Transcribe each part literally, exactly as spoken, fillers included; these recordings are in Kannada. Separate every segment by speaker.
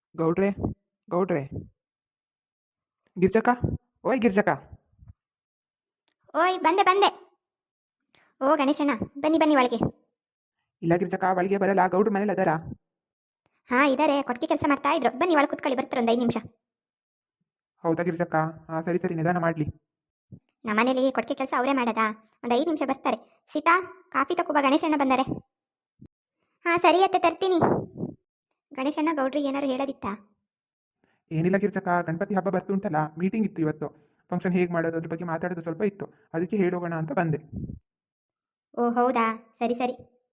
Speaker 1: ಗೌಡ್ರೆ ಗೌಡ್ರೆ ಗಿರ್ಜಕ್ಕ, ಓಯ್ ಗಿರ್ಜಕ್ಕ.
Speaker 2: ಓಯ್ ಬಂದೆ ಬಂದೆ. ಓ ಗಣೇಶಣ್ಣ, ಬನ್ನಿ ಬನ್ನಿ ಒಳಗೆ.
Speaker 1: ಇಲ್ಲ ಗಿರ್ಜಕ್ಕ, ಒಳಗೆ ಬರಲ್ಲ, ಗೌಡ್ರ ಮನೇಲಿ ಅದಾರ.
Speaker 2: ಹಾಂ ಇದ್ದಾರೆ, ಕೊಟ್ಟಿಗೆ ಕೆಲಸ ಮಾಡ್ತಾ ಇದ್ರು. ಬನ್ನಿ ಒಳಗೆ ಕುತ್ಕೊಳ್ಳಿ, ಬರ್ತಾರೆ ಒಂದು ಐದು ನಿಮಿಷ.
Speaker 1: ಹೌದಾ ಗಿರ್ಜಕ್ಕ? ಹಾಂ ಸರಿ ಸರಿ, ನಿಧಾನ ಮಾಡಲಿ.
Speaker 2: ನಮ್ಮನೇಲಿ ಕೊಟ್ಟಿಗೆ ಕೆಲಸ ಅವರೇ ಮಾಡೋದಾ? ಒಂದು ಐದು ನಿಮಿಷ ಬರ್ತಾರೆ. ಸೀತಾ, ಕಾಫಿ ತಗೋಬಾ, ಗಣೇಶಣ್ಣ ಬಂದ್ದಾರೆ. ಹಾಂ ಸರಿ ಅತ್ತೆ, ತರ್ತೀನಿ. ಗಣೇಶಣ್ಣ, ಗೌಡ್ರಿಗೆ ಏನಾರು ಹೇಳೋದಿತ್ತಾ?
Speaker 1: ಏನಿಲ್ಲ ಗಿರ್ಜಕ್ಕ, ಗಣಪತಿ ಹಬ್ಬ ಬರ್ತು ಉಂಟಲ್ಲ, ಮೀಟಿಂಗ್ ಇತ್ತು ಇವತ್ತು. ಫಂಕ್ಷನ್ ಹೇಗೆ ಮಾಡೋದು ಅದ್ರ ಬಗ್ಗೆ ಮಾತಾಡೋದು ಸ್ವಲ್ಪ ಇತ್ತು, ಅದಕ್ಕೆ ಹೇಳೋಗೋಣ ಅಂತ ಬಂದೆ.
Speaker 2: ಓ ಹೌದಾ, ಸರಿ ಸರಿ.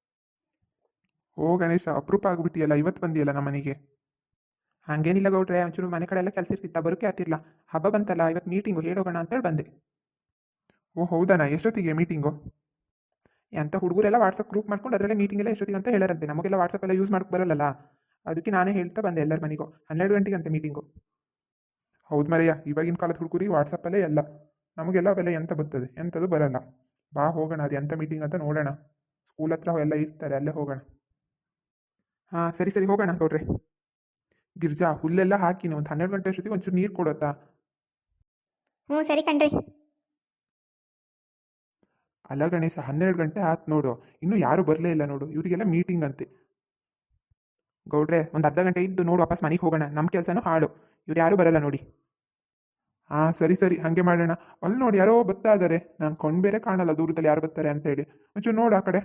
Speaker 1: ಓ ಗಣೇಶ, ಅಪರೂಪ ಆಗ್ಬಿಟ್ಟಿಯಲ್ಲ, ಇವತ್ತು ಬಂದಿಯಲ್ಲ ನಮ್ಮ ಮನೆಗೆ. ಹಾಗೇನಿಲ್ಲ ಗೌಡ್ರೆ, ಒಂಚೂರು ಮನೆ ಕಡೆ ಎಲ್ಲ ಕೆಲಸ ಇರ್ತಿತ್ತ, ಬರೋಕೆ ಆಗ್ತಿರ್ಲಿಲ್ಲ. ಹಬ್ಬ ಬಂತಲ್ಲ, ಇವತ್ತು ಮೀಟಿಂಗು ಹೇಳೋಗೋಣ ಅಂತೇಳಿ ಬಂದೆ. ಓ ಹೌದಾನ? ಎಷ್ಟೊತ್ತಿಗೆ ಮೀಟಿಂಗು? ಅಂತ ಹುಡುಗರೆಲ್ಲ ವಾಟ್ಸಪ್ ಗ್ರೂಪ್ ಮಾಡ್ಕೊಂಡು ಅದರಲ್ಲೇ ಮೀಟಿಂಗ್ ಎಲ್ಲ ಎಷ್ಟೊತ್ತಿಗೆ ಅಂತ ಹೇಳಾರಂತೆ. ನಮಗೆಲ್ಲ ವಾಟ್ಸಪ್ ಎಲ್ಲ ಯೂಸ್ ಮಾಡಕ್ಕೆ ಬರಲ್ಲ, ಅದಕ್ಕೆ ನಾನೇ ಹೇಳ್ತಾ ಬಂದೆ ಎಲ್ಲರ ಮನೆಗೂ. ಹನ್ನೆರಡು ಗಂಟೆಗೆ ಅಂತೆ ಮೀಟಿಂಗು. ಹೌದು ಮರೆಯ, ಇವಾಗಿನ ಕಾಲದ ಹುಡುಗರಿಗೆ ವಾಟ್ಸಪ್ಪಲ್ಲೇ ಎಲ್ಲ. ನಮಗೆಲ್ಲ ಅವೆಲ್ಲ ಎಂತ ಬರ್ತದೆ, ಎಂಥದ್ದು ಬರಲ್ಲ. ಬಾ ಹೋಗೋಣ, ಅದು ಎಂಥ ಮೀಟಿಂಗ್ ಅಂತ ನೋಡೋಣ. ಸ್ಕೂಲ್ ಹತ್ರ ಎಲ್ಲ ಇರ್ತಾರೆ, ಅಲ್ಲೇ ಹೋಗೋಣ. ಹಾಂ ಸರಿ ಸರಿ, ಹೋಗೋಣ ಗೌಡ್ರೆ. ಗಿರ್ಜಾ, ಹುಲ್ಲೆಲ್ಲ ಹಾಕಿನ ಒಂದು ಹನ್ನೆರಡು ಗಂಟೆ ಅಷ್ಟೊತ್ತಿಗೆ ಒಂಚೂರು ನೀರು ಕೊಡುತ್ತಾ?
Speaker 2: ಹ್ಞೂ ಸರಿ ಕಣ್ರಿ.
Speaker 1: ಅಲ್ಲ ಗಣೇಶ, ಹನ್ನೆರಡು ಗಂಟೆ ಆಯ್ತು ನೋಡು, ಇನ್ನೂ ಯಾರೂ ಬರಲೇ ಇಲ್ಲ ನೋಡು. ಇವರಿಗೆಲ್ಲ ಮೀಟಿಂಗ್ ಅಂತೆ. ಗೌಡ್ರೆ, ಒಂದು ಅರ್ಧ ಗಂಟೆ ಇದ್ದು ನೋಡು, ವಾಪಸ್ ಮನೆಗೆ ಹೋಗೋಣ. ನಮ್ಮ ಕೆಲಸನೂ ಹಾಳು, ಇವ್ರು ಯಾರೂ ಬರಲ್ಲ ನೋಡಿ. ಹಾಂ ಸರಿ ಸರಿ, ಹಾಗೆ ಮಾಡೋಣ. ಅಲ್ಲಿ ನೋಡಿ, ಯಾರೋ ಬರ್ತಾ ಇದ್ದಾರೆ. ನಾನು ಕೊಂಡು ಬೇರೆ ಕಾಣಲ್ಲ ದೂರದಲ್ಲಿ ಯಾರು ಬರ್ತಾರೆ ಅಂತ ಹೇಳಿ. ಒಂಚೂರು ನೋಡು ಆ ಕಡೆ.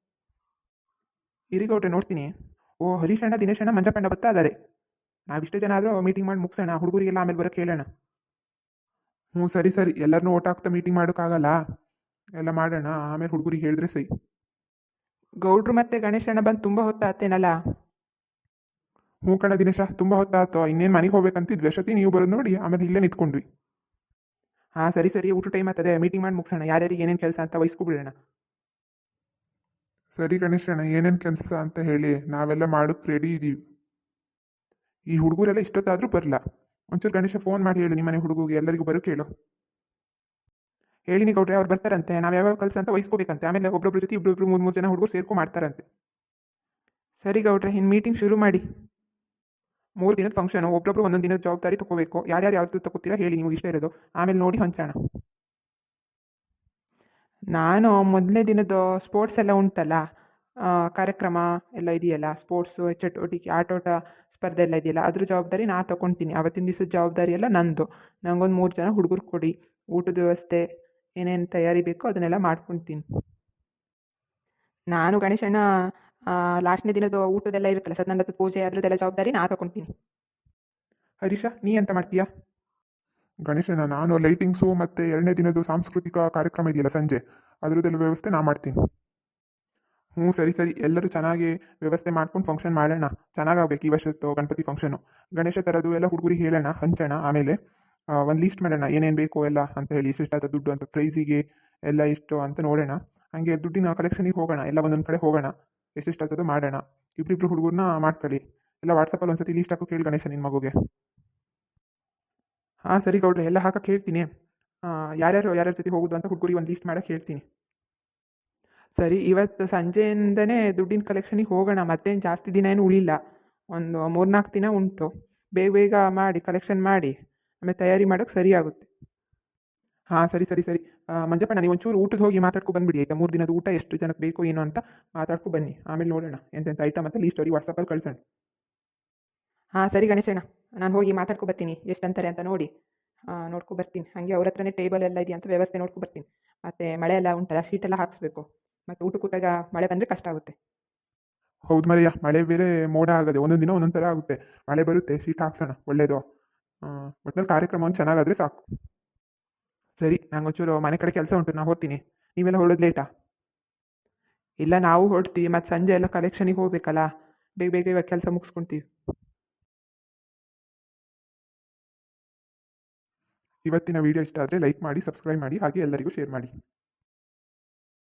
Speaker 1: ಇರಿ ಗೌಡ್ರೆ, ನೋಡ್ತೀನಿ. ಓ ಹರೀಶ್ ಅಣ್ಣ, ದಿನೇಶ್ ಅಣ್ಣ, ಮಂಜಪ್ಪಣ್ಣ ಬರ್ತಾ ಇದ್ದಾರೆ. ನಾವಿಷ್ಟೇ ಜನ ಆದರೂ ಮೀಟಿಂಗ್ ಮಾಡಿ ಮುಗಿಸೋಣ, ಹುಡುಗರಿಗೆಲ್ಲ ಆಮೇಲೆ ಬರೋಕ್ಕೆ ಹೇಳೋಣ. ಹ್ಞೂ ಸರಿ ಸರಿ, ಎಲ್ಲರನ್ನೂ ಓಟ್ ಹಾಕ್ತಾ ಮೀಟಿಂಗ್ ಮಾಡೋಕ್ಕಾಗಲ್ಲ, ಎಲ್ಲ ಮಾಡೋಣ ಆಮೇಲೆ ಹುಡುಗರಿಗೆ ಹೇಳಿದ್ರೆ ಸೈ. ಗೌಡ್ರು ಮತ್ತೆ ಗಣೇಶಣ್ಣ ಬಂದು ತುಂಬ ಹೊತ್ತಾತೇನಲ್ಲ? ಹ್ಞೂ ಕಣ ದಿನೇಶ, ತುಂಬ ಹೊತ್ತಾಯ್ತು. ಇನ್ನೇನು ಮನೆಗೆ ಹೋಗ್ಬೇಕಂತಿದ್ವಿ, ಅಷ್ಟೊತ್ತಿ ನೀವು ಬರೋದು ನೋಡಿ ಆಮೇಲೆ ಇಲ್ಲೇ ನಿಂತ್ಕೊಂಡ್ವಿ. ಹಾಂ ಸರಿ ಸರಿ, ಊಟ ಟೈಮ್ ಆಗ್ತದೆ, ಮೀಟಿಂಗ್ ಮಾಡಿ ಮುಗಿಸೋಣ. ಯಾರ್ಯಾರಿಗೆ ಏನೇನು ಕೆಲಸ ಅಂತ ವಹಿಸ್ಕೊಬಿಡೋಣ. ಸರಿ ಗಣೇಶಣ್ಣ, ಏನೇನು ಕೆಲಸ ಅಂತ ಹೇಳಿ, ನಾವೆಲ್ಲ ಮಾಡೋಕ್ಕೆ ರೆಡಿ ಇದ್ದೀವಿ. ಈ ಹುಡುಗರೆಲ್ಲ ಇಷ್ಟೊತ್ತಾದರೂ ಬರಲ್ಲ. ಒಂಚೂರು ಗಣೇಶ ಫೋನ್ ಮಾಡಿ ಹೇಳಿ, ನಿಮ್ಮನೆ ಹುಡುಗಿಗೆ ಎಲ್ಲರಿಗೂ ಬರೋಕೆ ಹೇಳು. ಹೇಳಿನಿ ಗೌಡ್ರೆ, ಅವ್ರು ಬರ್ತಾರಂತೆ. ನಾವು ಯಾವ್ಯಾವ ಕೆಲಸ ಅಂತ ವಹಿಸ್ಕೋಬೇಕಂತೆ. ಆಮೇಲೆ ಒಬ್ಬೊಬ್ರ ಜೊತೆ ಇಬ್ಬರೊಬ್ರು ಮೂರು ಮೂರು ಜನ ಹುಡುಗರು ಸೇರ್ಕೊ ಮಾಡ್ತಾರಂತೆ. ಸರಿ ಗೌಡ್ರೆ, ಇನ್ನು ಮೀಟಿಂಗ್ ಶುರು ಮಾಡಿ. ಮೂರು ದಿನದ ಫಂಕ್ಷನು, ಒಬ್ಬೊಬ್ರು ಒಂದೊಂದು ದಿನದ ಜವಾಬ್ದಾರಿ ತಗೋಬೇಕು. ಯಾರ್ಯಾರು ಯಾವ್ದು ತಗೋತೀರಾ ಹೇಳಿ, ನಿಮಗೆ ಇಷ್ಟ ಇರೋದು, ಆಮೇಲೆ ನೋಡಿ ಹೊಂಚೋಣ. ನಾನು ಮೊದಲನೇ ದಿನದ ಸ್ಪೋರ್ಟ್ಸ್ ಎಲ್ಲ ಉಂಟಲ್ಲ, ಕಾರ್ಯಕ್ರಮ ಎಲ್ಲ ಇದೆಯಲ್ಲ, ಸ್ಪೋರ್ಟ್ಸು ಚಟುವಟಿಕೆ, ಆಟೋಟ ಸ್ಪರ್ಧೆ ಎಲ್ಲ ಇದೆಯಲ್ಲ, ಅದ್ರ ಜವಾಬ್ದಾರಿ ನಾ ತೊಗೊಳ್ತೀನಿ. ಅವತ್ತಿನ ದಿವಸದ ಜವಾಬ್ದಾರಿ ಎಲ್ಲ ನಂದು. ನಂಗೊಂದು ಮೂರು ಜನ ಹುಡುಗರು ಕೊಡಿ, ಊಟದ ವ್ಯವಸ್ಥೆ ಏನೇನು ತಯಾರಿ ಬೇಕೋ ಅದನ್ನೆಲ್ಲ ಮಾಡ್ಕೊಳ್ತೀನಿ. ನಾನು ಗಣೇಶಣ್ಣ ಲಾಸ್ಟ್ನೇ ದಿನದ ಊಟದೆಲ್ಲ ಇರುತ್ತಲ್ಲ, ಸತ್ಯನಾರಾಯಣ ಪೂಜೆ, ಅದರದ್ದೆಲ್ಲ ಜವಾಬ್ದಾರಿ ನಾ ತೊಗೊಳ್ತೀನಿ. ಹರೀಶ, ನೀ ಎಂತ ಮಾಡ್ತೀಯಾ?
Speaker 3: ಗಣೇಶನ, ನಾನು ಲೈಟಿಂಗ್ಸು ಮತ್ತು ಎರಡನೇ ದಿನದ ಸಾಂಸ್ಕೃತಿಕ ಕಾರ್ಯಕ್ರಮ ಇದೆಯಲ್ಲ ಸಂಜೆ, ಅದರದ್ದೆಲ್ಲ ವ್ಯವಸ್ಥೆ ನಾ ಮಾಡ್ತೀನಿ.
Speaker 1: ಹ್ಞೂ ಸರಿ ಸರಿ, ಎಲ್ಲರೂ ಚೆನ್ನಾಗಿ ವ್ಯವಸ್ಥೆ ಮಾಡ್ಕೊಂಡು ಫಂಕ್ಷನ್ ಮಾಡೋಣ. ಚೆನ್ನಾಗಾಗಬೇಕು ಈ ವರ್ಷದ್ದು ಗಣಪತಿ ಫಂಕ್ಷನು. ಗಣೇಶ ಥರದ್ದು ಎಲ್ಲ ಹುಡುಗರಿಗೆ ಹೇಳೋಣ, ಹಂಚೋಣ. ಆಮೇಲೆ ಒಂದು ಲೀಸ್ಟ್ ಮಾಡೋಣ, ಏನೇನು ಬೇಕು ಎಲ್ಲ ಅಂತ ಹೇಳಿ, ಇಷ್ಟಾದ ದುಡ್ಡು ಅಂತ, ಪ್ರೈಸಿಗೆ ಎಲ್ಲ ಇಷ್ಟು ಅಂತ ನೋಡೋಣ. ಹಾಗೆ ದುಡ್ಡಿನ ಕಲೆಕ್ಷನಿಗೆ ಹೋಗೋಣ, ಎಲ್ಲ ಒಂದೊಂದು ಕಡೆ ಹೋಗೋಣ, ಎಷ್ಟೆಷ್ಟಾಗ್ತದೋ ಮಾಡೋಣ. ಇಬ್ಬರಿಬ್ರು ಹುಡುಗರನ್ನ ಮಾಡ್ಕೊಳ್ಳಿ. ಎಲ್ಲ ವಾಟ್ಸಪ್ಪಲ್ಲಿ ಒಂದ್ಸತಿ ಲೀಸ್ಟ್ ಹಾಕೋ ಕೇಳಿ ಗಣೇಶ ನಿನ್ನ ಮಗುಗೆ. ಹಾಂ ಸರಿ ಗೌಡ್ರೆ, ಎಲ್ಲ ಹಾಕಕ್ಕೆ ಹೇಳ್ತೀನಿ. ಯಾರ್ಯಾರು ಯಾರ್ಯಾರ ಜೊತೆ ಹೋಗೋದು ಅಂತ ಹುಡುಗರಿಗೆ ಒಂದು ಲೀಸ್ಟ್ ಮಾಡೋಕ್ಕೆ ಹೇಳ್ತೀನಿ. ಸರಿ, ಇವತ್ತು ಸಂಜೆಯಿಂದನೇ ದುಡ್ಡಿನ ಕಲೆಕ್ಷನಿಗೆ ಹೋಗೋಣ. ಮತ್ತೇನು ಜಾಸ್ತಿ ದಿನ ಏನು ಉಳಿಲ್ಲ, ಒಂದು ಮೂರ್ನಾಲ್ಕು ದಿನ ಉಂಟು. ಬೇಗ ಬೇಗ ಮಾಡಿ ಕಲೆಕ್ಷನ್ ಮಾಡಿ ಆಮೇಲೆ ತಯಾರಿ ಮಾಡೋಕ್ಕೆ ಸರಿ ಆಗುತ್ತೆ. ಹಾಂ ಸರಿ ಸರಿ ಸರಿ. ಮಂಜಪ್ಪಣ್ಣ, ನೀವು ಒಂಚೂರು ಊಟದ ಹೋಗಿ ಮಾತಾಡ್ಕೊ ಬಂದುಬಿಡಿ ಆಯಿತಾ? ಮೂರು ದಿನದ ಊಟ ಎಷ್ಟು ಜನಕ್ಕೆ ಬೇಕು ಏನು ಅಂತ ಮಾತಾಡ್ಕೊ ಬನ್ನಿ. ಆಮೇಲೆ ನೋಡೋಣ ಎಂತೆಂಥ ಐಟಮ್ ಅಂತ ಲೀಸ್ಟ್ ಅವ್ರಿಗೆ ವಾಟ್ಸಪ್ಪಲ್ಲಿ ಕಳ್ಸೋಣ. ಹಾಂ ಸರಿ ಗಣೇಶಣ್ಣ, ನಾನು ಹೋಗಿ ಮಾತಾಡ್ಕೊ ಬರ್ತೀನಿ, ಎಷ್ಟು ಅಂತಾರೆ ಅಂತ ನೋಡಿ ನೋಡ್ಕೊ ಬರ್ತೀನಿ. ಹಾಗೆ ಅವ್ರ ಹತ್ರನೇ ಟೇಬಲ್ ಎಲ್ಲ ಇದೆಯಾ ಅಂತ ವ್ಯವಸ್ಥೆ ನೋಡ್ಕೊ ಬರ್ತೀನಿ. ಮತ್ತು ಮಳೆ ಎಲ್ಲ ಉಂಟಲ್ಲ, ಶೀಟೆಲ್ಲ ಹಾಕಿಸ್ಬೇಕು. ಮತ್ತು ಊಟ ಕೂತಾಗ ಮಳೆ ಬಂದರೆ ಕಷ್ಟ ಆಗುತ್ತೆ.
Speaker 3: ಹೌದು ಮರೆಯ, ಮಳೆ ಬೇರೆ ಮೋಡ ಆಗದೆ, ಒಂದೊಂದು ದಿನ ಒಂದೊಂದು ಥರ ಆಗುತ್ತೆ. ಮಳೆ ಬರುತ್ತೆ, ಶೀಟ್ ಹಾಕ್ಸೋಣ, ಒಳ್ಳೇದು. ಒಟ್ಟಿನಲ್ಲಿ ಕಾರ್ಯಕ್ರಮ ಒಂದು ಚೆನ್ನಾಗಾದರೆ ಸಾಕು.
Speaker 1: ಸರಿ, ನಂಗೊಂಚೂರು ಮನೆ ಕಡೆ ಕೆಲಸ ಉಂಟು, ನಾನು ಹೋಗ್ತೀನಿ. ನೀವೆಲ್ಲ ಹೊರಡೋದು ಲೇಟಾ? ಇಲ್ಲ, ನಾವು ಹೊರಡ್ತೀವಿ. ಮತ್ತು ಸಂಜೆ ಎಲ್ಲ ಕಲೆಕ್ಷನಿಗೆ ಹೋಗ್ಬೇಕಲ್ಲ, ಬೇಗ ಬೇಗ ಇವಾಗ ಕೆಲಸ ಮುಗಿಸ್ಕೊತೀವಿ.
Speaker 3: ಇವತ್ತಿನ ವಿಡಿಯೋ ಇಷ್ಟ ಆದರೆ ಲೈಕ್ ಮಾಡಿ, ಸಬ್ಸ್ಕ್ರೈಬ್ ಮಾಡಿ, ಹಾಗೆ ಎಲ್ಲರಿಗೂ ಶೇರ್ ಮಾಡಿ.